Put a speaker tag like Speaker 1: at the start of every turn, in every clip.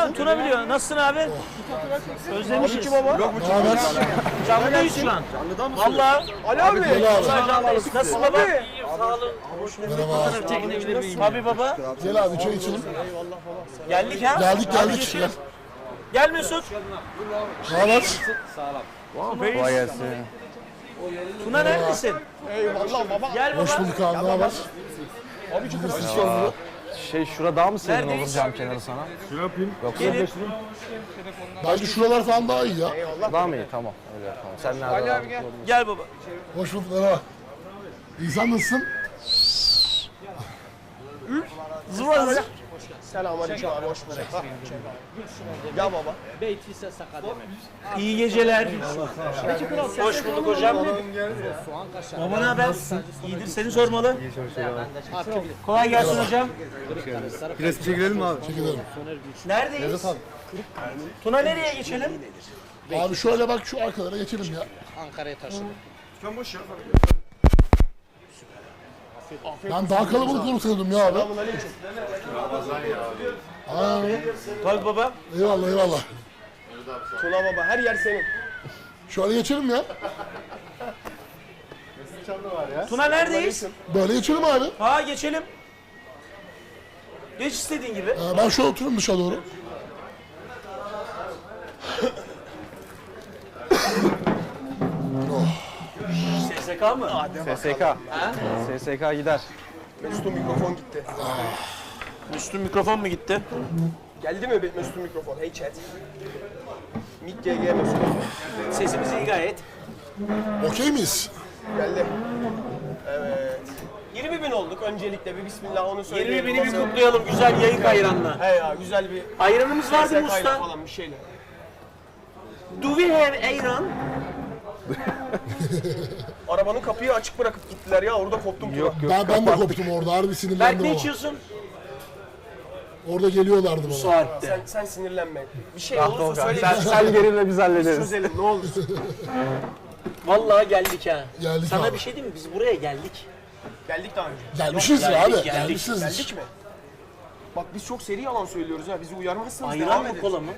Speaker 1: Tuna biliyor. Nasılsın abi? Özlemişiz.
Speaker 2: Kim baba? Yok bu
Speaker 3: Haber?
Speaker 1: Canlıdayız şu an.
Speaker 2: Canlıda mısın?
Speaker 1: Valla.
Speaker 2: Ali abi.
Speaker 1: Canlıdayız. Nasılsın baba? Sağ olun.
Speaker 3: Merhaba.
Speaker 1: Çekinebilir miyim? Tabii baba.
Speaker 3: Gel abi çay içelim.
Speaker 1: Geldik ha.
Speaker 3: Geldik
Speaker 1: Hadi
Speaker 3: geldik.
Speaker 1: geçelim. Gel Mesut.
Speaker 3: Haber?
Speaker 2: Kolay gelsin.
Speaker 1: Tuna neredesin?
Speaker 2: Eyvallah baba.
Speaker 1: Gel baba.
Speaker 3: Hoş bulduk abi. Ne haber?
Speaker 2: Şura daha mı serin olur
Speaker 1: Neredeyiz?
Speaker 2: cam kenarı sana?
Speaker 1: Gelin.
Speaker 3: Bence şuralar falan daha iyi ya.
Speaker 2: Daha mı iyi? Tamam. Öyle yapalım. Sen nerede? Ali abi gel.
Speaker 1: Gel baba.
Speaker 3: Hoş bulduk. Merhaba. İnsan nasılsın?
Speaker 1: Zıva zıva.
Speaker 2: Selamünaleyküm abi. Hoş bulduk. Gel baba.
Speaker 1: İyi geceler. Hoş bulduk hocam. Baba ne haber? İyidir, seni sormalı. Kolay gelsin hocam.
Speaker 2: Biraz çekilelim mi abi?
Speaker 3: Çekilelim.
Speaker 1: Neredeyiz? Tuna nereye geçelim?
Speaker 3: Abi şöyle bak şu arkalara geçelim ya.
Speaker 4: Ankara'ya taşıdık.
Speaker 3: Ben daha kalabalık olur sanıyordum ya abi. Aa,
Speaker 1: Tabii baba.
Speaker 3: eyvallah eyvallah.
Speaker 2: Tuna baba her yer senin.
Speaker 3: Şöyle geçelim ya.
Speaker 1: Tuna neredeyiz?
Speaker 3: Böyle geçelim abi.
Speaker 1: Ha geçelim. Geç istediğin gibi.
Speaker 3: Ben şöyle oturayım dışa doğru.
Speaker 1: SSK mı?
Speaker 2: SSK. SSK gider. Mesut'un mikrofon gitti.
Speaker 1: Üstün mikrofon mu gitti?
Speaker 2: Geldi mi Mesut'un mikrofon? Hey chat. Mik GG Mesut.
Speaker 1: Sesimiz iyi gayet.
Speaker 3: Okey miyiz?
Speaker 2: Geldi. Evet. 20.000 olduk öncelikle bir bismillah onu
Speaker 1: 20
Speaker 2: söyleyelim.
Speaker 1: bini bir kutlayalım güzel yayık ayranla.
Speaker 2: He ya güzel bir
Speaker 1: Ayranımız vardı mı
Speaker 2: SSK 'yla
Speaker 1: usta?
Speaker 2: falan bir şeyle.
Speaker 1: Do we have ayran?
Speaker 2: Arabanın kapıyı açık bırakıp gittiler ya orada koptum. Yok
Speaker 3: Ben de koptum orada. Harbi
Speaker 1: Berk
Speaker 3: sinirlendim
Speaker 1: ne
Speaker 3: ama.
Speaker 1: içiyorsun?
Speaker 3: Orada geliyorlardı bana.
Speaker 1: Saatte.
Speaker 2: Sen sinirlenme. Bir şey olursa söyle.
Speaker 4: Sen gelinle biz hallederiz.
Speaker 2: Çözelim ne olur.
Speaker 1: Vallahi geldik ha.
Speaker 3: Geldik
Speaker 1: Sana
Speaker 3: abi.
Speaker 1: bir şey diyeyim mi? Biz buraya geldik.
Speaker 2: Geldik daha önce.
Speaker 3: Gelmişiz
Speaker 1: Yok,
Speaker 3: ya abi.
Speaker 1: geldik.
Speaker 3: Gelmişsiniz.
Speaker 2: Geldik mi? Bak biz çok seri yalan söylüyoruz ha. Bizi uyarmazsanız
Speaker 1: Ayran
Speaker 2: devam
Speaker 1: mı
Speaker 2: ederiz.
Speaker 1: kola mı?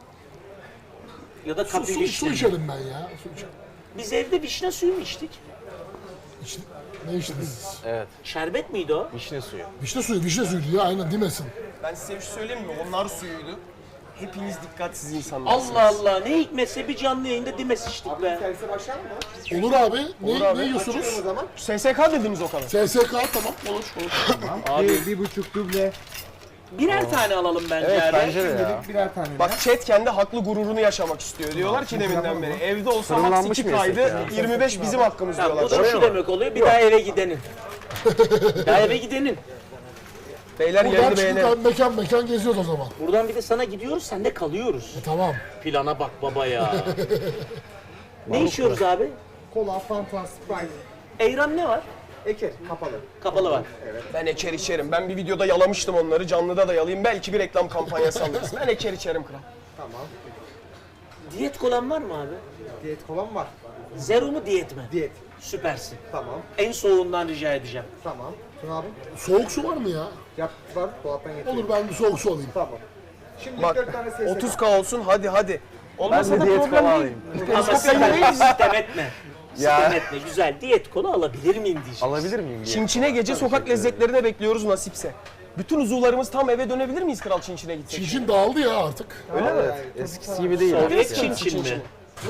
Speaker 1: Ya da
Speaker 3: Su
Speaker 1: kapı vişne.
Speaker 3: içelim ben ya. Su içelim.
Speaker 1: Biz evde vişne suyu mu içtik?
Speaker 3: Ne içtiniz siz?
Speaker 1: Şerbet miydi o?
Speaker 2: Vişne suyu.
Speaker 3: Vişne suyuydu ya aynen demesin.
Speaker 2: Ben size bir şey söyleyeyim mi? Onlar suyuydu. Hepiniz dikkatsiz insanlarsınız.
Speaker 1: Allah Allah ne hikmetse bir canlı yayında dimes içtik be.
Speaker 3: Olur abi. Ne yiyorsunuz?
Speaker 2: SSK dediniz o kadar.
Speaker 3: SSK tamam olur.
Speaker 4: Bir buçuk duble.
Speaker 1: Birer tane alalım bence
Speaker 2: Evet
Speaker 1: abi.
Speaker 2: bence de ya.
Speaker 4: Birer tane.
Speaker 2: Bak chat kendi haklı gururunu yaşamak istiyor. Diyorlar ki deminden beri evde olsa max
Speaker 4: Fırınlanmış
Speaker 2: 2
Speaker 4: mı yesek
Speaker 2: kaydı,
Speaker 4: ya?
Speaker 2: 25 bizim hakkımız
Speaker 1: Ya, bu
Speaker 2: diyorlar.
Speaker 1: da şu demek oluyor bir daha eve gidenin. Bir daha eve gidenin.
Speaker 2: Beyler
Speaker 3: Buradan
Speaker 2: yerini beğenelim.
Speaker 3: çıktık mekan geziyoruz o zaman.
Speaker 1: Buradan bir de sana gidiyoruz sen de kalıyoruz.
Speaker 3: Tamam.
Speaker 1: Plana bak baba ya. Ne içiyoruz abi?
Speaker 4: Kola, Fanta, Sprite.
Speaker 1: Ayran ne var?
Speaker 4: Eker, kapalı.
Speaker 1: Kapalı var.
Speaker 2: Ben eker içerim. Ben bir videoda yalamıştım onları. Canlıda da yalayayım. Belki bir reklam kampanyası alırız. Ben eker içerim kral.
Speaker 4: Tamam.
Speaker 1: Diyet kolan var mı abi?
Speaker 4: Diyet kolan var.
Speaker 1: Zero mu diyet mi?
Speaker 4: Diyet.
Speaker 1: Süpersin.
Speaker 4: Tamam.
Speaker 1: En soğuğundan rica edeceğim.
Speaker 4: Tamam. Tuna abi.
Speaker 3: Soğuk su var mı ya?
Speaker 4: Yap var. Dolaptan getir.
Speaker 3: Olur ben bir soğuk su alayım.
Speaker 4: Tamam. Şimdi
Speaker 2: Bak
Speaker 4: 4 tane SSK.
Speaker 2: 30K olsun hadi. Olmasa da
Speaker 4: diyet
Speaker 2: problem
Speaker 4: kola
Speaker 2: değil.
Speaker 1: Ama sitem etme.
Speaker 2: Ya.
Speaker 1: Sitem etme. Güzel. Diyet kola alabilir miyim diyeceğim.
Speaker 2: Alabilir miyim? Çinçine gece sokak lezzetlerine bekliyoruz nasipse. Bütün uzuvlarımız tam eve dönebilir miyiz kral Çinçine gitsek?
Speaker 3: Çinçin dağıldı ya artık.
Speaker 2: Öyle mi?
Speaker 4: Eskisi gibi değil.
Speaker 1: Sovyet Çin mi?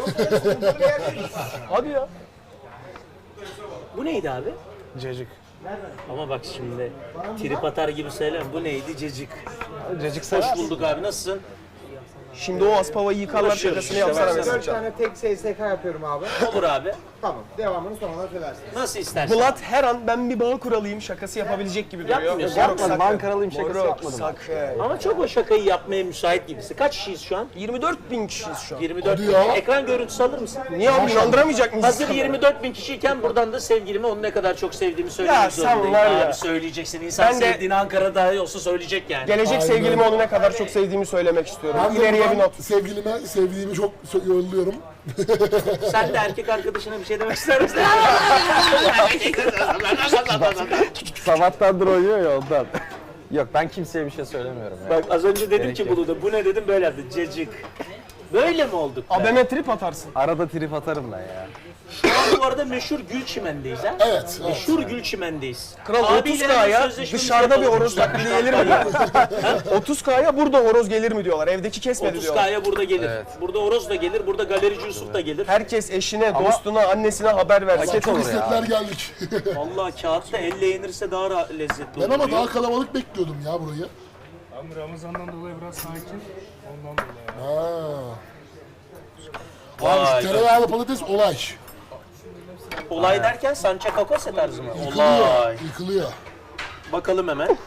Speaker 2: Hadi ya.
Speaker 1: Bu neydi abi?
Speaker 2: Cacık.
Speaker 1: Ama bak şimdi trip atar gibi söyleme. Bu neydi? Cacık.
Speaker 2: Cacık
Speaker 1: Hoş
Speaker 2: sever.
Speaker 1: bulduk abi. Nasılsın?
Speaker 2: Şimdi o aspavayı yıkarlar
Speaker 1: Uğraşıyoruz
Speaker 2: şakasını
Speaker 1: işte,
Speaker 2: yapsana
Speaker 1: baksana.
Speaker 2: mesela.
Speaker 4: 4 tane tek SSK yapıyorum abi.
Speaker 1: Olur abi.
Speaker 4: Tamam. Devamını sonradan söylersiniz.
Speaker 1: Nasıl istersen.
Speaker 2: Bulat her an ben bir bağ kuralıyım şakası yapabilecek gibi duruyor.
Speaker 1: Yapmıyorsun.
Speaker 2: Moruk,
Speaker 1: Yapmadım,
Speaker 2: sakın.
Speaker 4: ben karalıyım şakası
Speaker 2: Moruk,
Speaker 4: yapmadım.
Speaker 2: sakın.
Speaker 1: Ama çok o şakayı yapmaya müsait gibisin. Kaç kişiyiz şu an?
Speaker 2: 24.000 kişiyiz şu an.
Speaker 1: 24
Speaker 3: Hadi
Speaker 1: bin.
Speaker 3: ya.
Speaker 1: Ekran görüntüsü alır mısın?
Speaker 2: Niye abi inandıramayacak mıyız?
Speaker 1: Hazır 24 bin kişiyken buradan da sevgilime onu ne kadar çok sevdiğimi söylemek
Speaker 2: Ya sen
Speaker 1: zorundayım.
Speaker 2: var ya.
Speaker 1: Abi söyleyeceksin. İnsan
Speaker 2: Ben de-
Speaker 1: sevdiğini Ankara'da olsa söyleyecek yani.
Speaker 2: Gelecek
Speaker 3: Aynen
Speaker 2: sevgilime
Speaker 3: öyle.
Speaker 2: onu ne kadar çok sevdiğimi söylemek istiyorum.
Speaker 3: Ben de
Speaker 2: İleriye bir
Speaker 3: buradan
Speaker 2: not.
Speaker 3: sevgilime sevdiğimi çok yolluyorum.
Speaker 1: Sen de erkek arkadaşına bir şey demek ister misin?
Speaker 4: Sabahtandır oynuyor ya ondan.
Speaker 5: Yok ben kimseye bir şey söylemiyorum ya.
Speaker 1: Bak az önce dedim
Speaker 5: Gerek
Speaker 1: ki
Speaker 5: yok.
Speaker 1: bunu da. Bu ne dedim böyle yaptı. Cacık. Böyle mi olduk be?
Speaker 2: Abeme trip atarsın.
Speaker 5: Arada trip atarım ben ya.
Speaker 1: Şu an bu arada meşhur Gülçimen'deyiz ha.
Speaker 3: Evet.
Speaker 1: Meşhur Gülçimen'deyiz.
Speaker 2: Kral
Speaker 1: Abiyle hemen
Speaker 2: 30K'ya
Speaker 1: sözleşmemizi
Speaker 2: dışarıda bir
Speaker 1: yapalım.
Speaker 2: horoz taklidi gelir mi diyorlar. 30K'ya burada horoz gelir mi diyorlar. Evdeki kesmedi diyorlar.
Speaker 1: 30K'ya burada gelir.
Speaker 5: Evet.
Speaker 1: Burada Oroz da gelir, burada Galerici Yusuf da gelir.
Speaker 2: Herkes eşine, dostuna, annesine haber versin.
Speaker 5: Paket
Speaker 3: Çok
Speaker 5: olur ya.
Speaker 3: istekler geldik.
Speaker 1: Vallahi kağıtta elle yenirse daha lezzetli
Speaker 3: Ben
Speaker 1: olur.
Speaker 3: ama
Speaker 1: diyor.
Speaker 3: daha kalabalık bekliyordum ya burayı.
Speaker 6: Ama Ramazan'dan dolayı biraz sakin. Ondan dolayı.
Speaker 3: Ha.
Speaker 1: Vay
Speaker 3: Abi şu tereyağlı patates olay.
Speaker 1: Olay derken Sancha Kakose tarzı mı?
Speaker 3: Yıkılıyor.
Speaker 1: Olay.
Speaker 3: Yıkılıyor.
Speaker 1: Bakalım hemen.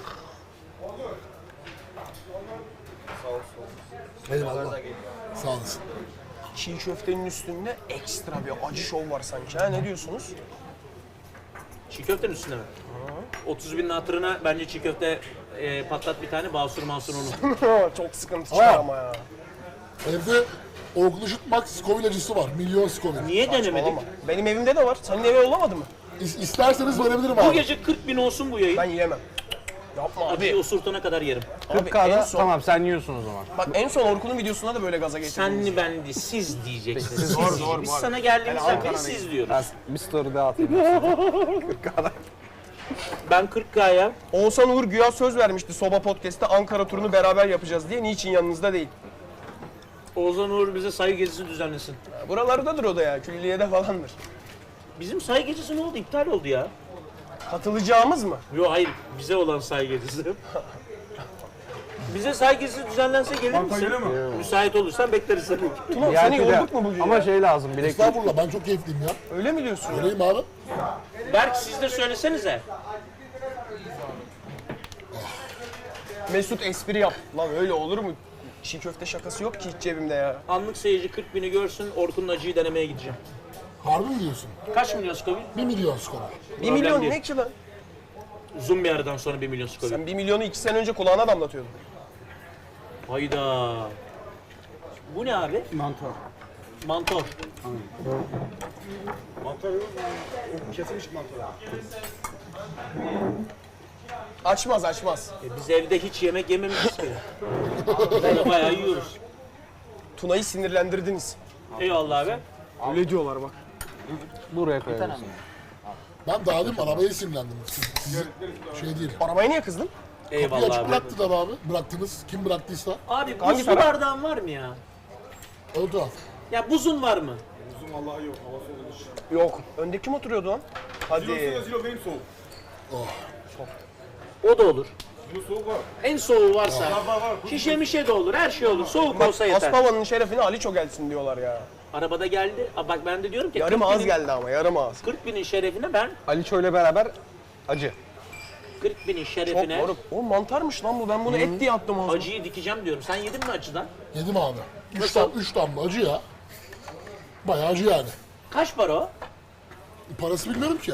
Speaker 3: Eyvallah. Sağ olasın.
Speaker 2: Çiğ köftenin üstünde ekstra bir acı şov var sanki. Ha ne diyorsunuz?
Speaker 1: Çiğ köftenin üstüne mi? 30 binin hatırına bence çiğ köfte patlat bir tane Basur Mansur onu.
Speaker 2: Çok sıkıntı çıkar ama ya.
Speaker 3: Evde Orkun Işıtmak Scoville acısı var. Milyon Scoville.
Speaker 1: Niye denemedik?
Speaker 2: Olama. Benim evimde de var. Senin eve yollamadı mı?
Speaker 3: İsterseniz verebilirim
Speaker 1: Bu
Speaker 3: abi.
Speaker 1: gece 40 bin olsun bu yayın.
Speaker 2: Ben yiyemem. Yapma
Speaker 1: Acıyı
Speaker 2: abi.
Speaker 1: osurtana kadar yerim.
Speaker 2: Abi en
Speaker 5: 40K'da
Speaker 2: son,
Speaker 5: tamam sen yiyorsun o zaman.
Speaker 2: bak en son Orkun'un videosunda da böyle gaza getirdiniz.
Speaker 1: Senli bendi siz diyeceksiniz.
Speaker 2: Siz, doğru,
Speaker 1: Biz
Speaker 2: doğru.
Speaker 1: sana geldiğimizden beri
Speaker 2: Ankara'dayım.
Speaker 1: siz diyoruz.
Speaker 5: Ben bir story daha atayım. 40K'da.
Speaker 1: Ben 40K'ya
Speaker 2: Oğuzhan Uğur güya söz vermişti Soba Podcast'te Ankara turunu beraber yapacağız diye. Niçin yanınızda değil?
Speaker 1: Oğuzhan Uğur bize sayı gezisi düzenlesin.
Speaker 2: Buralardadır o da ya. Külliyede falandır.
Speaker 1: Bizim sayı gecesi ne oldu? İptal oldu ya.
Speaker 2: Katılacağımız mı?
Speaker 1: Yok hayır, bize olan sayı gecesi. Bize sayı gecesi düzenlense gelir misin? Müsait olursan bekleriz seni.
Speaker 2: Tuna seni
Speaker 5: Belki de-
Speaker 2: yorduk mu bugün
Speaker 5: Ama
Speaker 2: ya?
Speaker 5: şey lazım bilek.
Speaker 3: Estağfurullah ben çok keyifliyim ya.
Speaker 2: Öyle mi diyorsun ya?
Speaker 3: Öyleyim abi.
Speaker 1: Berk siz de söylesenize.
Speaker 2: Mesut espri yap. Lan öyle olur mu? Çiğ köfte şakası yok ki hiç cebimde ya.
Speaker 1: Anlık seyirci 40 bini görsün, Orkun'un acıyı denemeye gideceğim.
Speaker 3: Harbi mi diyorsun?
Speaker 1: Kaç milyon Scoville?
Speaker 3: 1 milyon Scoville.
Speaker 2: 1 milyon
Speaker 1: değil.
Speaker 2: ne ki lan?
Speaker 1: Zoom bir aradan sonra 1 milyon Scoville.
Speaker 2: Sen 1 milyonu 2 sene önce kulağına damlatıyordun.
Speaker 1: Hayda. Bu ne abi?
Speaker 6: Mantar.
Speaker 1: Mantor.
Speaker 4: Kesilmiş mantar.
Speaker 2: Açmaz açmaz.
Speaker 1: Biz evde hiç yemek yememişiz ki. Böyle bayağı yiyoruz.
Speaker 2: Tuna'yı sinirlendirdiniz.
Speaker 1: Eyvallah abi.
Speaker 2: Öyle diyorlar bak.
Speaker 5: Buraya koyuyorsun.
Speaker 3: Ben daha demin arabaya sinirlendim. Siz şey değil.
Speaker 2: Arabaya niye kızdın?
Speaker 3: Bir
Speaker 1: Eyvallah
Speaker 3: açık
Speaker 1: abi.
Speaker 3: bıraktılar abi. Bıraktınız. Kim bıraktıysa.
Speaker 1: Abi
Speaker 2: Hangi
Speaker 1: buzlu
Speaker 2: taraf?
Speaker 1: bardağın var mı ya?
Speaker 3: Ön taraf.
Speaker 1: Ya buzun var mı?
Speaker 2: Yok. Önde kim oturuyordu lan? Hadi.
Speaker 6: Zilo benim soğuk.
Speaker 1: O da olur.
Speaker 6: Zilo soğuk var.
Speaker 1: En soğuğu varsa.
Speaker 6: Var.
Speaker 1: Şişe mişe de olur, her şey olur. Soğuk olsa yeter.
Speaker 2: Aspava'nın şerefine Aliço gelsin diyorlar ya.
Speaker 1: Arabada geldi. Aa, bak ben de diyorum ki
Speaker 2: Yarım
Speaker 1: 40
Speaker 2: ağız
Speaker 1: binin-
Speaker 2: geldi ama yarım ağız.
Speaker 1: 40 binin şerefine ben
Speaker 5: Aliço ile beraber acı.
Speaker 1: 40 binin
Speaker 2: Çok
Speaker 1: şerefine
Speaker 2: moruk. O mantarmış lan bu. Ben bunu et diye attım ağzıma.
Speaker 1: acıyı dikeceğim diyorum. Sen yedin mi acıdan?
Speaker 3: Yedim abi.
Speaker 1: Nasıl?
Speaker 3: 3 damla acı ya. Bayağı acı yani.
Speaker 1: Kaç para o?
Speaker 3: Parası bilmiyorum ki.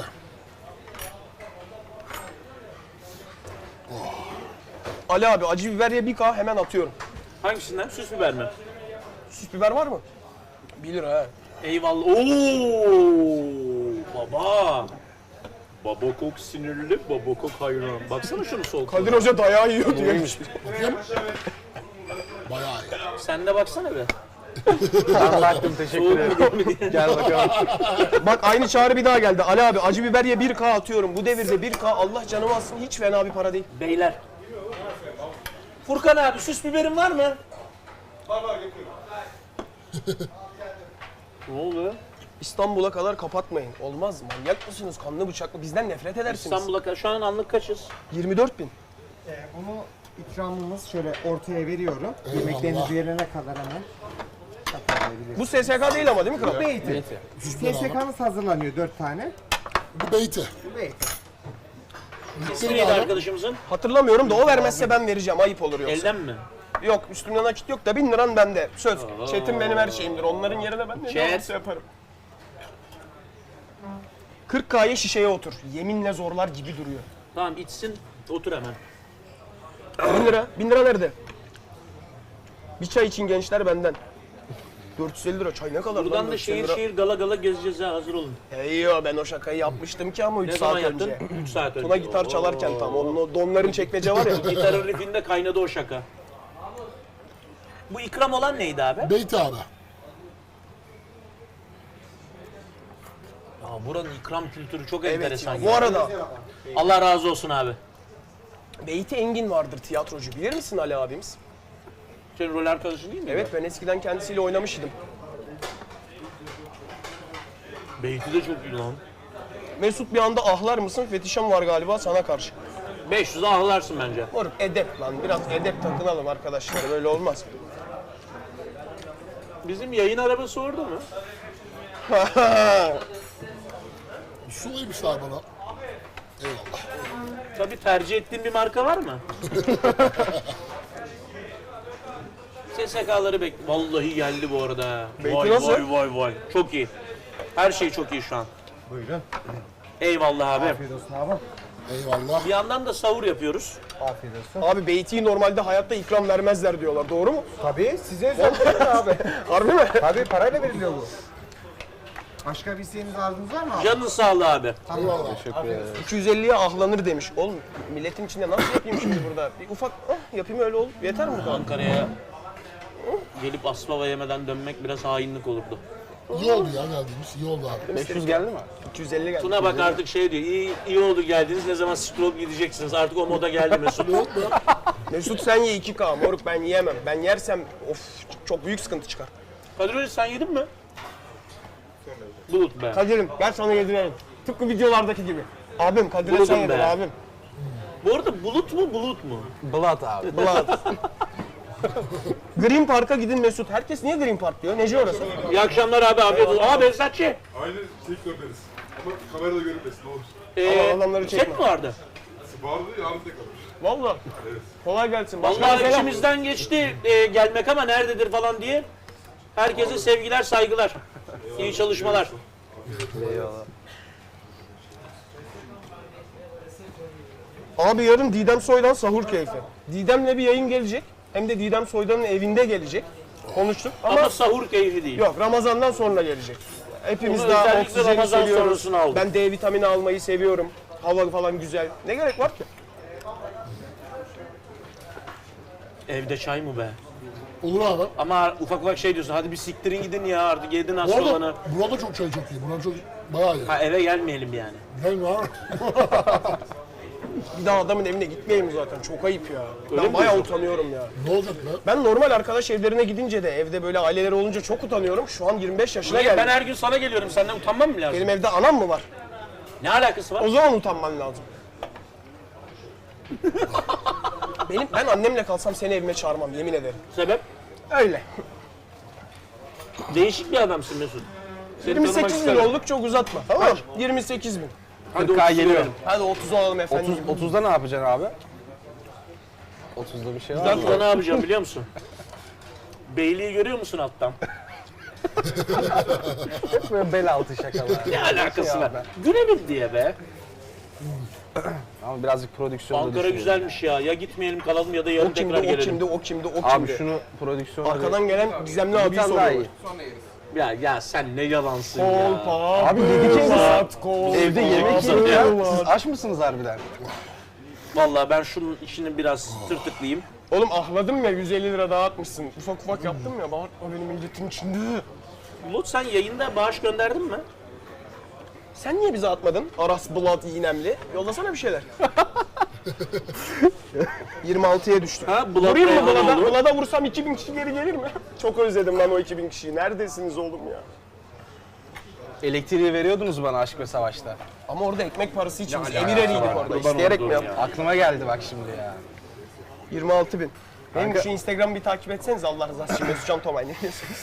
Speaker 2: Ali abi acı biber ye 1K hemen atıyorum.
Speaker 1: Hangisinden? Süs biber mi?
Speaker 2: Süs biber var mı? 1 lira ha.
Speaker 1: Eyvallah. Oo baba. Baba kok sinirli, baba kok hayran. Baksana şunu sol
Speaker 2: Kadir Hoca dayağı yiyor diyor.
Speaker 3: Bakayım. Bayağı iyi.
Speaker 1: Sen de baksana be.
Speaker 5: Ben baktım teşekkür ederim. Gel bakalım.
Speaker 2: Bak aynı çağrı bir daha geldi. Ali abi acı biber ye 1K atıyorum. Bu devirde 1K Allah canımı alsın hiç fena bir para değil.
Speaker 1: Beyler. Furkan abi süs biberin var mı?
Speaker 6: Var getiriyorum.
Speaker 1: Ne oluyor?
Speaker 2: İstanbul'a kadar kapatmayın. Olmaz manyak mısınız? Kanlı bıçaklı bizden nefret edersiniz.
Speaker 1: İstanbul'a şu an anlık kaçız?
Speaker 2: 24 bin.
Speaker 4: Bunu ikramımız şöyle ortaya veriyorum.
Speaker 3: Eyvallah.
Speaker 4: Yemekleriniz yerine kadar hemen.
Speaker 2: Bu SSK değil ama değil mi kral?
Speaker 4: Beyti.
Speaker 3: Süsler abi.
Speaker 4: SSK'mız hazırlanıyor 4 tane.
Speaker 3: Bu beyti.
Speaker 4: Beyti.
Speaker 1: İsmi
Speaker 3: Lütfen
Speaker 1: neydi
Speaker 3: abi.
Speaker 1: arkadaşımızın?
Speaker 2: Hatırlamıyorum da o vermezse ben vereceğim. Ayıp olur yoksa.
Speaker 1: Elden mi?
Speaker 2: Yok üstümde nakit yok da 1000 liran bende. Söz. Çetin benim her şeyimdir. Onların yerine ben ne
Speaker 1: Chat.
Speaker 2: olursa yaparım. 40K'ya şişeye otur. Yeminle zorlar gibi duruyor.
Speaker 1: Tamam içsin, otur hemen.
Speaker 2: 1000 lira. 1000 lira nerede? Bir çay için gençler benden. 450 lira çay ne kadar
Speaker 1: Buradan
Speaker 2: lan
Speaker 1: da
Speaker 2: 450
Speaker 1: şehir
Speaker 2: lira?
Speaker 1: şehir gala gala gezeceğiz ha, hazır olun.
Speaker 2: Yo ben o şakayı yapmıştım ki ama 3
Speaker 1: Ne
Speaker 2: saat
Speaker 1: zaman yaptın?
Speaker 2: önce.
Speaker 1: 3 saat önce.
Speaker 2: Tuna gitar çalarken tam onun o donların çekmece var ya.
Speaker 1: Gitarın riffinde kaynadı o şaka. Bu ikram olan neydi abi?
Speaker 3: Beyti abi.
Speaker 1: Aa, buranın ikram kültürü çok
Speaker 2: Evet
Speaker 1: enteresan.
Speaker 2: ya.
Speaker 1: ya.
Speaker 2: Bu arada
Speaker 1: Allah razı olsun abi.
Speaker 2: Beyti Engin vardır tiyatrocu. Bilir misin Ali abimiz?
Speaker 1: Senin rol arkadaşın değil mi?
Speaker 2: Evet ben eskiden kendisiyle oynamıştım.
Speaker 1: Beyti de çok iyi lan.
Speaker 2: Mesut bir anda ahlar mısın? Fetişem var galiba sana karşı.
Speaker 1: 500'e ağlarsın bence.
Speaker 2: Moruk edep lan. Biraz edep takınalım arkadaşlar. Böyle olmaz.
Speaker 1: Bizim yayın arabası orada mı?
Speaker 3: Su vermişler bana. Eyvallah.
Speaker 1: Tabii tercih ettiğin bir marka var mı? SSK'ları bekle. Vallahi geldi bu arada.
Speaker 2: Beyti
Speaker 1: Vay
Speaker 2: nasıl?
Speaker 1: vay vay vay. Çok iyi. Her şey çok iyi şu an.
Speaker 4: Buyurun.
Speaker 1: Eyvallah abi.
Speaker 4: Afiyet olsun abi.
Speaker 3: Eyvallah.
Speaker 1: Bir yandan da sahur yapıyoruz.
Speaker 4: Afiyet olsun.
Speaker 2: Abi Beyti'yi normalde hayatta ikram vermezler diyorlar. Doğru mu?
Speaker 4: Tabii size özel abi.
Speaker 2: Harbi mi?
Speaker 4: Tabii parayla veriliyor bu. Başka bir isteğiniz arzunuz var mı abi?
Speaker 1: Canın sağlığı abi.
Speaker 3: Eyvallah.
Speaker 2: 250'ye ahlanır demiş. Oğlum milletin içinde nasıl yapayım şimdi burada? Bir ufak yapayım öyle ol. Yeter mi bu kadar?
Speaker 1: Ankara'ya gelip Aspava yemeden dönmek biraz hainlik olurdu.
Speaker 3: İyi oldu ya geldiğimiz. İyi oldu abi.
Speaker 5: 500 geldi mi?
Speaker 2: 250 geldi.
Speaker 1: Tuna bak artık şey diyor, iyi oldu geldiniz, ne zaman stroke gideceksiniz, artık o moda geldi Mesut.
Speaker 2: Mesut sen ye 2K moruk ben yiyemem. Ben yersem of çok büyük sıkıntı çıkar.
Speaker 1: Kadir Hoca sen yedin mi? Bulut be.
Speaker 2: Kadir'im gel sana yedirelim. Tıpkı videolardaki gibi. Abim Kadir'e
Speaker 1: Buldum
Speaker 2: sen yedir
Speaker 1: be.
Speaker 2: abim.
Speaker 1: Bu arada bulut mu bulut mu?
Speaker 5: Blood abi.
Speaker 2: Bulat. Green Park'a gidin Mesut. Herkes niye Green Park diyor? Nece orası?
Speaker 1: İyi akşamlar abi, afiyet olsun. Aa Behzatçı.
Speaker 7: Aynı sektörleriz. Ama kamerada görünmesin ne olur.
Speaker 2: Ama adamları
Speaker 1: Set
Speaker 2: çekme.
Speaker 1: mi vardı?
Speaker 7: Vardı yarın tek alır.
Speaker 2: Valla. Kolay gelsin. Başka
Speaker 1: Vallahi
Speaker 2: selam.
Speaker 1: içimizden geçti gelmek ama nerededir falan diye. Herkese sevgiler, saygılar. İyi çalışmalar.
Speaker 2: Abi yarın Didem Soydan sahur keyfi. Didem'le bir yayın gelecek. Hem de Didem Soydan'ın evinde gelecek. Konuştuk ama,
Speaker 1: Ama sahur keyfi değil.
Speaker 2: yok Ramazan'dan sonra gelecek. Hepimiz
Speaker 1: Onu
Speaker 2: daha
Speaker 1: özellikle
Speaker 2: oksijeni
Speaker 1: Ramazan
Speaker 2: seviyoruz.
Speaker 1: sonrasını aldım.
Speaker 2: Ben D vitamini almayı seviyorum. Hava falan güzel. Ne gerek var ki?
Speaker 1: Evde çay mı be?
Speaker 3: Olur abi.
Speaker 1: Ama ufak ufak şey diyorsun, hadi bir siktirin gidin ya artık yedin
Speaker 3: Bu
Speaker 1: hastalanı.
Speaker 3: arada burada çok çay çok iyi. Buradan çok bayağı iyi.
Speaker 1: Ha eve gelmeyelim yani.
Speaker 3: Değil mi abi?
Speaker 2: Bir daha adamın evine gitmeyeyim zaten. Çok ayıp ya.
Speaker 1: Öyle
Speaker 2: Ben
Speaker 1: mi
Speaker 2: bayağı
Speaker 1: diyorsun?
Speaker 2: utanıyorum ya.
Speaker 3: Ne olacak be?
Speaker 2: Ben normal arkadaş evlerine gidince de evde böyle aileleri olunca çok utanıyorum. Şu an 25 yaşına
Speaker 1: Niye?
Speaker 2: geldim.
Speaker 1: Ben her gün sana geliyorum, senden utanmam mı lazım?
Speaker 2: Benim evde anam mı var?
Speaker 1: Ne alakası var?
Speaker 2: O zaman utanman lazım. Ben annemle kalsam seni evime çağırmam yemin ederim.
Speaker 1: Sebep?
Speaker 2: Öyle.
Speaker 1: Değişik bir adamsın Mesut. Seni tanımak
Speaker 2: 28 bin
Speaker 1: isterim.
Speaker 2: olduk çok uzatma. Tamam mı? 28 bin.
Speaker 1: Hadi
Speaker 5: 40K
Speaker 1: 30
Speaker 5: geliyor.
Speaker 1: verelim.
Speaker 2: Hadi 30 olalım efendim.
Speaker 5: 30'da ne yapacaksın abi? 30'da bir şey var mı?
Speaker 1: Ben ne yapacağım biliyor musun? Beyliği görüyor musun alttan?
Speaker 5: Böyle bel altı şakalar.
Speaker 1: Ne alakası
Speaker 5: Şey
Speaker 1: var?
Speaker 5: abi.
Speaker 1: Gülelim diye be.
Speaker 5: Ama birazcık prodüksiyonda
Speaker 1: Ankara
Speaker 5: düşünüyorum.
Speaker 1: güzelmiş ya. Ya gitmeyelim kalalım ya da yarın
Speaker 2: O kimdi,
Speaker 1: tekrar
Speaker 2: o
Speaker 1: gelelim.
Speaker 2: kimdi, o kimdi, o kimdi.
Speaker 5: Abi şunu prodüksiyonda...
Speaker 2: Arkadan gelen Gizemli
Speaker 5: bir
Speaker 2: abiyi
Speaker 5: tane daha iyi.
Speaker 2: soruyorlar.
Speaker 1: Ya sen ne yalansın ya.
Speaker 2: Kolpa,
Speaker 5: Abi dedik ya
Speaker 2: Bılat, kolpa,
Speaker 5: Evde yemek
Speaker 1: Kolpa,
Speaker 5: yiyor ya.
Speaker 2: Bılat.
Speaker 5: Siz aç mısınız harbiden?
Speaker 1: Vallahi ben şunun işini biraz tırtıklayayım.
Speaker 2: Oğlum ahladım ya 150 lira daha atmışsın. Ufak ufak yaptım ya bağırtma benim milletin içinde.
Speaker 1: Bulut sen yayında bağış gönderdin mi?
Speaker 2: Sen niye bize atmadın? Aras Bulat İğnemli. Yollasana bir şeyler. 26'ya düştük.
Speaker 1: Ha, Bulat
Speaker 2: Vurayım mı
Speaker 1: Reyhanoğlu?
Speaker 2: Bulat'a? Bulat'a vursam 2000 kişi geri gelir mi? Çok özledim lan o 2000 kişiyi. Neredesiniz oğlum ya?
Speaker 5: Elektriği veriyordunuz bana Aşk ve Savaş'ta.
Speaker 2: Ama orada ekmek parası için biz
Speaker 1: Ne
Speaker 2: emir
Speaker 1: alakası
Speaker 2: eriydik
Speaker 1: var?
Speaker 2: orada.
Speaker 1: Kurban
Speaker 2: İsteyerek
Speaker 1: olduğum
Speaker 2: mi yaptık?
Speaker 1: ya.
Speaker 5: Aklıma geldi bak şimdi ya.
Speaker 2: 26 bin. Benim
Speaker 5: Kanka-
Speaker 2: şu Instagram'ı bir takip etseniz Allah rızası için Mesutcan Tomay ne diyorsunuz?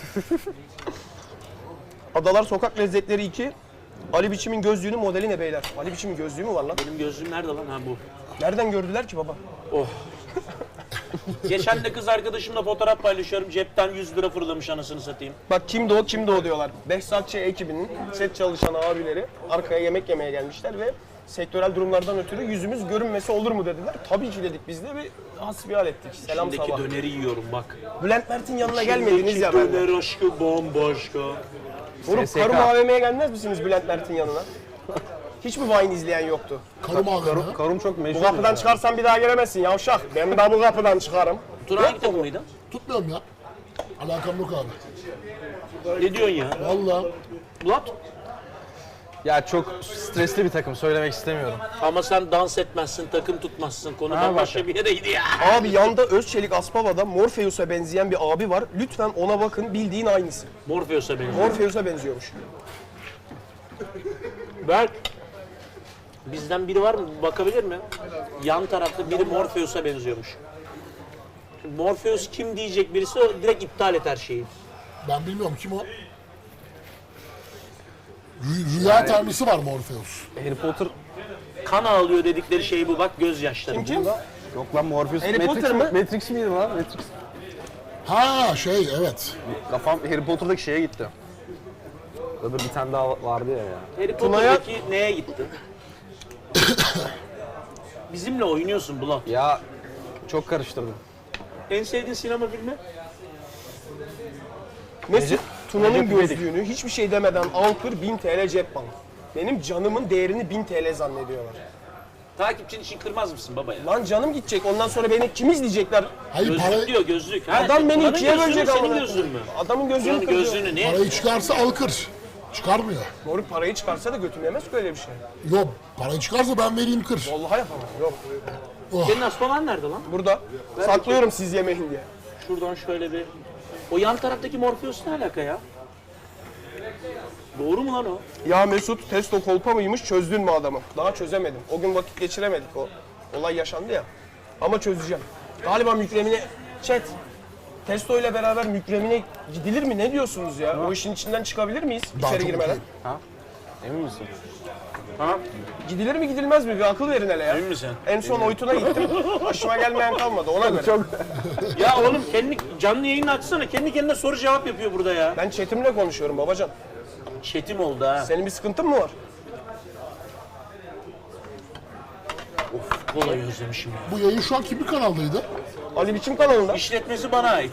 Speaker 2: Adalar Sokak Lezzetleri 2. Ali Biçim'in gözlüğünün modeli ne beyler? Ali Biçim'in gözlüğü mü var lan?
Speaker 1: Benim gözlüğüm nerede lan? Ha bu.
Speaker 2: Nereden gördüler ki baba?
Speaker 1: Oh. Geçen de kız arkadaşımla fotoğraf paylaşıyorum. Cepten 100 lira fırlamış anasını satayım.
Speaker 2: Bak kimdi o kimdi o diyorlar. Behzatçı ekibinin set çalışan abileri arkaya yemek yemeye gelmişler ve sektörel durumlardan ötürü yüzümüz görünmesi olur mu dediler. Tabii ki dedik, biz de bir hasbihal ettik. Selam
Speaker 1: Şimdiki
Speaker 2: sabah.
Speaker 1: döneri yiyorum bak.
Speaker 2: Bülent Mert'in yanına gelmediniz ya ben.
Speaker 1: Döner aşkı bambaşka.
Speaker 2: Vurup
Speaker 5: SSK.
Speaker 2: Karum AVM'ye gelmez misiniz Bülent Mert'in yanına? Hiç mi Vine izleyen yoktu?
Speaker 3: Karım ağrıyor.
Speaker 5: Karım çok meşhur.
Speaker 2: Bu kapıdan çıkarsan bir daha giremezsin yavşak. Ben de bu kapıdan çıkarım.
Speaker 1: Tuna hangi takımıydı?
Speaker 3: Tutmuyorum ya. Alakam yok abi.
Speaker 1: Ne diyorsun ya?
Speaker 3: Vallahi.
Speaker 1: Bulat?
Speaker 5: Ya çok stresli bir takım, söylemek istemiyorum.
Speaker 1: Ama sen dans etmezsin, takım tutmazsın. Konudan başka bir yere gidiyor.
Speaker 2: Abi yanda Özçelik Aspava'da Morpheus'a benzeyen bir abi var. Lütfen ona bakın, bildiğin aynısı.
Speaker 1: Morpheus'a benziyor.
Speaker 2: Morpheus'a benziyormuş.
Speaker 1: Berk. Bizden biri var mı? Bakabilir mi? Yan tarafta biri Morpheus'a benziyormuş. Şimdi Morpheus kim diyecek birisi o direkt iptal et her şeyi.
Speaker 3: Ben bilmiyorum kim o. Rüya tanrısı var Morpheus.
Speaker 5: Harry Potter
Speaker 1: Kan ağlıyor dedikleri şey bu bak gözyaşları.
Speaker 2: Kim kim?
Speaker 5: yok lan Morpheus.
Speaker 2: Harry Potter mı?
Speaker 5: Matrix miydi lan? Matrix.
Speaker 3: Ha şey evet.
Speaker 5: Kafam Harry Potter'daki şeye gitti. Öbür bir tane daha vardı ya.
Speaker 1: Harry Potter'daki neye gitti? Bizimle oynuyorsun Bulat.
Speaker 5: Ya çok karıştırdım.
Speaker 1: En sevdiğin sinema filmi?
Speaker 2: Mesut Tuna'nın
Speaker 5: Recep İvedik.
Speaker 2: gözlüğünü hiçbir şey demeden al kır 1000 TL cep bank. Benim canımın değerini 1000 TL zannediyorlar.
Speaker 1: Takipçin için kırmaz mısın baba ya?
Speaker 2: Lan canım gidecek, ondan sonra beni kim izleyecekler?
Speaker 3: Hayır
Speaker 1: Gözlük diyor gözlük. Ha,
Speaker 2: Adam beni
Speaker 1: Tuna'nın
Speaker 2: ikiye
Speaker 1: gözlüğü
Speaker 2: bölecek
Speaker 1: mü,
Speaker 2: ama.
Speaker 1: senin gözlüğün mü?
Speaker 2: Adamın gözlüğünü
Speaker 1: Tuna'nın
Speaker 2: kırıyor.
Speaker 1: gözlüğünü ne?
Speaker 3: parayı çıkarsa al kır. Çıkarmıyor.
Speaker 2: Moruk parayı çıkarsa da götürmeyemez ki öyle bir şey.
Speaker 3: Yok parayı çıkarsa ben vereyim kır.
Speaker 2: Vallahi yapamam. Yok.
Speaker 1: Senin Aspavan nerede lan?
Speaker 2: Burada. Saklıyorum siz yemeyin diye.
Speaker 1: Şuradan şöyle bir... O yan taraftaki Morpheus ne alaka ya? Doğru mu lan o?
Speaker 2: Ya Mesut testo kolpa mıymış, çözdün mü adamı? Daha çözemedim. O gün vakit geçiremedik, o olay yaşandı ya. Ama çözeceğim. Galiba Mükremine... Chat. Testo ile beraber Mükremine gidilir mi? Ne diyorsunuz ya? O işin içinden çıkabilir miyiz
Speaker 3: Daha
Speaker 2: içeri
Speaker 3: çok
Speaker 2: girmeden?
Speaker 3: okuyayım.
Speaker 5: Emin misin?
Speaker 2: Gidilir mi gidilmez mi? Bir akıl verin hele ya.
Speaker 1: Emin misin?
Speaker 2: En son Oytun'a gittim. Başıma gelmeyen kalmadı ona göre.
Speaker 1: Ya oğlum kendi canlı yayını açsana. Kendi kendine soru cevap yapıyor burada ya.
Speaker 2: Ben chatimle konuşuyorum babacan.
Speaker 1: Çetim oldu ha.
Speaker 2: Senin bir sıkıntın mı var?
Speaker 1: Kolayı özlemişim ya.
Speaker 3: Bu yayın şu an kimin kanaldaydı?
Speaker 2: Ali Biçim kanalında.
Speaker 1: İşletmesi bana ait.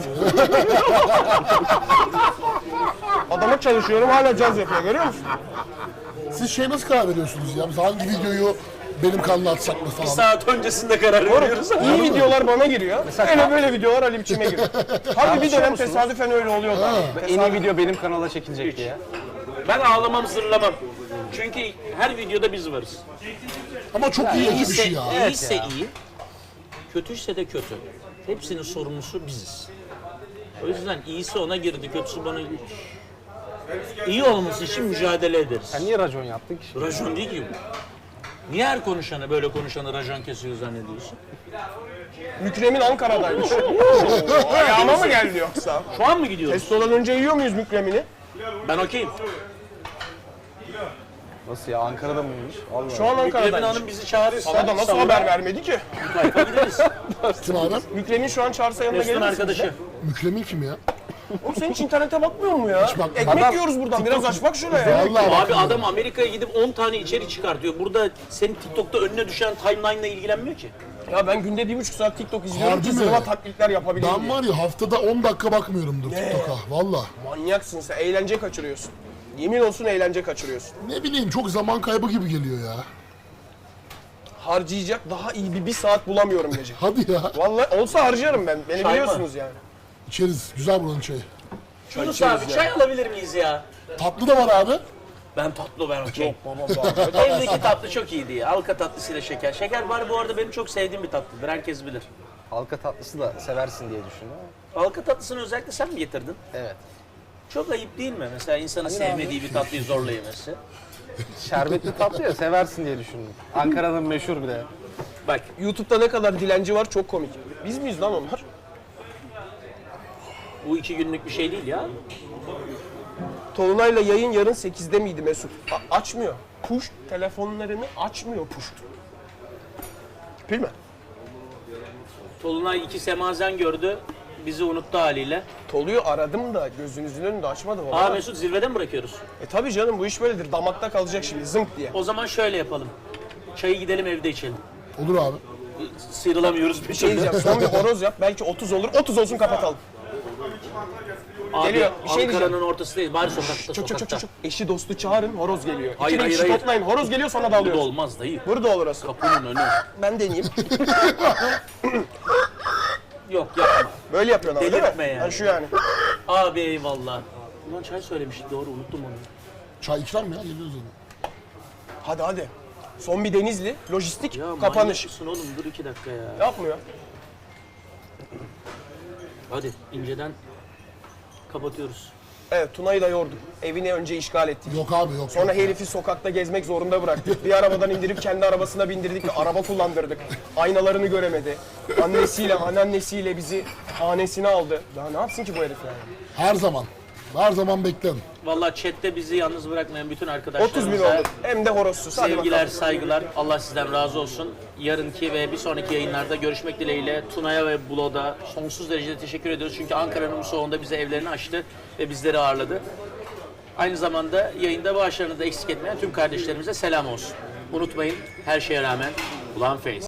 Speaker 2: Adama çalışıyorum hala caz yapıyor, görüyor musun?
Speaker 3: Siz şey nasıl karar veriyorsunuz ya? Mesela hangi videoyu benim kanala atsak mı
Speaker 1: Bir
Speaker 3: falan?
Speaker 1: saat öncesinde karar veriyoruz.
Speaker 2: İyi videolar bana giriyor. Öyle böyle videolar Ali Biçim'e giriyor. Harbi bir dönem tesadüfen öyle oluyordu.
Speaker 5: En iyi video benim kanala çekilecek diye.
Speaker 1: Ben ağlamam zırlamam. Çünkü her videoda biz varız.
Speaker 3: Ama çok iyi ekip
Speaker 1: İyiyse,
Speaker 3: işi ya.
Speaker 1: iyiyse iyi, kötüyse de kötü. Hepsinin sorumlusu biziz. O yüzden iyisi ona girdi, kötüsü bana girdi. İyi olması için mücadele ederiz.
Speaker 5: Sen niye racon yaptın ki?
Speaker 1: Rajon değil ki bu. Niye her konuşanı, böyle konuşanı rajon kesiyor zannediyorsun?
Speaker 2: Mükremin Ankara'daymış. Ayağıma mı geldi yoksa?
Speaker 1: Şu an mı gidiyoruz?
Speaker 2: Testo'dan önce yiyor muyuz Mükremini?
Speaker 1: Ben okeyim.
Speaker 5: Nasıl ya? Ankara'da mıymış? Allah.
Speaker 2: Şu an
Speaker 1: Mükremin
Speaker 2: Ankara'daymış.
Speaker 1: Hanım bizi çağırırsa...
Speaker 2: Sana da nasıl
Speaker 1: savunma
Speaker 2: haber vermedi ki?
Speaker 1: tayfa gideriz.
Speaker 3: Kim abi?
Speaker 2: Mükremin şu an çağırsa yanına gelir
Speaker 1: Mesut'un
Speaker 2: misin?
Speaker 1: arkadaşı.
Speaker 3: Mükremin kim ya?
Speaker 2: Oğlum sen hiç internete bakmıyor mu ya?
Speaker 3: bak-
Speaker 2: Ekmek
Speaker 3: Adam-
Speaker 2: yiyoruz buradan, biraz aç bak şuraya.
Speaker 3: Vallahi
Speaker 1: Abi
Speaker 3: bakmıyorum.
Speaker 1: adam Amerika'ya gidip 10 tane içerik çıkartıyor. Burada senin TikTok'ta önüne düşen timeline'la ilgilenmiyor ki.
Speaker 2: Ya ben günde 1,5 saat TikTok izliyorum
Speaker 3: Harbi
Speaker 2: ki
Speaker 3: mi?
Speaker 2: sırma taklitler yapabileyim
Speaker 3: Ben
Speaker 2: diye.
Speaker 3: var ya haftada 10 dakika bakmıyorumdur TikTok'a. Valla.
Speaker 2: Manyaksın sen, eğlence kaçırıyorsun. Yemin olsun eğlence kaçırıyorsun.
Speaker 3: Ne bileyim çok zaman kaybı gibi geliyor ya.
Speaker 2: Harcayacak daha iyi bir saat bulamıyorum gece.
Speaker 3: Hadi ya.
Speaker 2: Vallahi olsa harcarım ben. Beni
Speaker 1: Çay mı?
Speaker 2: biliyorsunuz yani.
Speaker 3: İçeriz. Güzel buranın çayı.
Speaker 1: Yunus abi çay alabilir miyiz ya?
Speaker 3: Tatlı da var abi.
Speaker 1: Ben tatlı ben okey.
Speaker 2: Baba
Speaker 1: Evdeki tatlı çok iyiydi ya. Halka tatlısıyla şeker. Şeker var bu arada benim çok sevdiğim bir tatlıdır. Herkes bilir.
Speaker 5: Halka tatlısı da seversin diye düşündüm ama.
Speaker 1: Halka tatlısını özellikle sen mi getirdin?
Speaker 5: Evet.
Speaker 1: Çok ayıp değil mi? Mesela insanın sevmediği bir tatlıyı zorla yemesi.
Speaker 5: Şerbetli tatlı ya seversin diye düşündüm. Ankara'nın meşhur bir de.
Speaker 1: Bak
Speaker 2: YouTube'da ne kadar dilenci var çok komik. Biz miyiz lan onlar?
Speaker 1: bu 2 günlük bir şey değil ya.
Speaker 2: Tolunay'la yayın yarın 8'de miydi Mesut? Açmıyor. Push telefonlarını açmıyor push. Bilme.
Speaker 1: Tolunay 2 semazen gördü. Bizi unuttu haliyle.
Speaker 2: Tolu'yu aradım da gözünüzün önünde açmadı baba.
Speaker 1: Aa Mesut zirveden mi bırakıyoruz?
Speaker 2: Tabii canım bu iş böyledir. Damakta kalacak şimdi zınk diye.
Speaker 1: O zaman şöyle yapalım. Çayı gidelim evde içelim.
Speaker 3: Olur abi.
Speaker 1: Sıyrılamıyoruz
Speaker 2: Bir şey diyeceğim. Son bir horoz yap. Belki 30 olur. 30 olsun kapatalım.
Speaker 1: Abi
Speaker 2: Geliyor. Bir şey diyeceğim.
Speaker 1: Ankara'nın ortası değil. Bari sokakta sokakta.
Speaker 2: Çok. Eşi dostu çağırın. Horoz geliyor.
Speaker 1: Hayır,
Speaker 2: İki
Speaker 1: hayır,
Speaker 2: kişi
Speaker 1: hayır.
Speaker 2: toplayın. Horoz geliyor sonra da
Speaker 1: Burada
Speaker 2: alıyoruz.
Speaker 1: olmaz dayı.
Speaker 2: Burada olur orası.
Speaker 1: Kapının önü.
Speaker 2: Ben deneyeyim.
Speaker 1: Yok yapma.
Speaker 2: Böyle yapıyorsun ama değil mi?
Speaker 1: Delirtme yani.
Speaker 2: Yani şu yani.
Speaker 1: Abi eyvallah. Ulan çay söylemiştik doğru unuttum onu.
Speaker 3: Çay ikram mı ya? Geliyoruz onu.
Speaker 2: Hadi. Son bir Denizli. Lojistik.
Speaker 1: Ya
Speaker 2: Kapanış.
Speaker 1: manyak mısın oğlum dur 2 dakika ya.
Speaker 2: Yapmıyor.
Speaker 1: Hadi inceden kapatıyoruz.
Speaker 2: Evet Tuna'yı da yorduk. Evini önce işgal ettik.
Speaker 3: Yok abi yok.
Speaker 2: Sonra
Speaker 3: yok.
Speaker 2: herifi sokakta gezmek zorunda bıraktık. Bir arabadan indirip kendi arabasına bindirdik. Araba kullandırdık. Aynalarını göremedi. Annesiyle, anneannesiyle bizi hanesine aldı. Daha ne yapsın ki bu herif yani?
Speaker 3: Her zaman. Her zaman beklerim.
Speaker 1: Vallahi chatte bizi yalnız bırakmayan bütün
Speaker 2: 30 bin
Speaker 1: arkadaşlarımıza
Speaker 2: oldu. Hem de horozsuz. Hadi
Speaker 1: sevgiler,
Speaker 2: bakalım.
Speaker 1: saygılar. Allah sizden razı olsun. Yarınki ve bir sonraki yayınlarda görüşmek dileğiyle Tuna'ya ve Bulod'a sonsuz derecede teşekkür ediyoruz. Çünkü Ankara'nın bu soğuğunda bize evlerini açtı ve bizleri ağırladı. Aynı zamanda yayında bağışlarını da eksik etmeyen tüm kardeşlerimize selam olsun. Unutmayın her şeye rağmen Ulan Face.